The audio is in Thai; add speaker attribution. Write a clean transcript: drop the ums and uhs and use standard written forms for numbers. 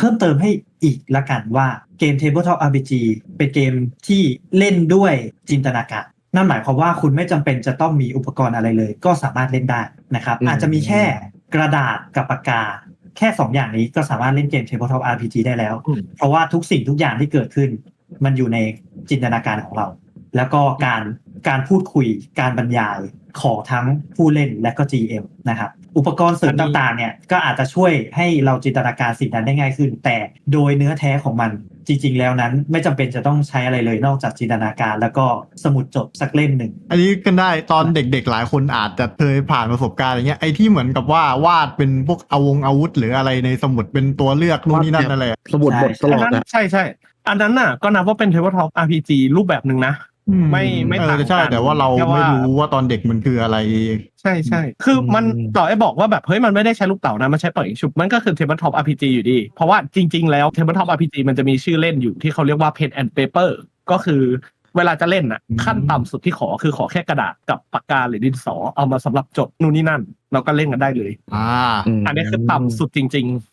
Speaker 1: พิ่มเติมให้อีกละกันว่าเกม Tabletop RPG เป็นเกมที่เล่นด้วยจินตนาการนั่นหมายความว่าคุณไม่จำเป็นจะต้องมีอุปกรณ์อะไรเลยก็สามารถเล่นได้นะครับอาจจะมีแค่กระดาษกับปากกาแค่2อย่างนี้ก็สามารถเล่นเกม Tabletop RPG ได้แล้วเพราะว่าทุกสิ่งทุกอย่างที่เกิดขึ้นมันอยู่ในจินตนาการของเราแล้วก็การพูดคุยการบรรยายของทั้งผู้เล่นและก็ GM นะครับอุปกรณ์เสริมต่างๆเนี่ยก็อาจจะช่วยให้เราจินตนาการสิ่งนั้นได้ง่ายขึ้นแต่โดยเนื้อแท้ของมันจริงๆแล้วนั้นไม่จำเป็นจะต้องใช้อะไรเลยนอกจากจินตนาการแล้วก็สมุดจดสักเล่มหนึ่ง
Speaker 2: อันนี้กันได้ตอนเด็กๆหลายคนอาจจะเคยผ่านประสบการณ์อย่างเงี้ยไอ้ที่เหมือนกับว่าวาดเป็นพวกอาวุธหรืออะไรในสมุดเป็นตัวเลือกนู่นนี่นั่นอะไร
Speaker 3: สมุดบทตลอดนะ
Speaker 4: ใช่อันนั้นน่ะก็นับว่าเป็น Tabletop RPG รูปแบบหนึ่งนะไม่ต่างกัน
Speaker 2: ใช่แต่ว่าเราไม่รู้ว่าตอนเด็กมันคืออะไร
Speaker 4: ใช่คือมันต่อไอ้บอกว่าแบบเฮ้ยมันไม่ได้ใช้ลูกเต๋านะมันใช้ปล่อยชุบมันก็คือ Tabletop RPG อยู่ดีเพราะว่าจริงๆแล้ว Tabletop RPG มันจะมีชื่อเล่นอยู่ที่เขาเรียกว่า Pen and Paper ก็คือเวลาจะเล่นน่ะขั้นต่ำสุดที่ขอแค่กระดาษกับปากกาหรือดินสอเอามาสำหรับจดนู่นนี่นั่นเราก็เล่นกันได้เลยอันนี้คือต่ำสุดจริง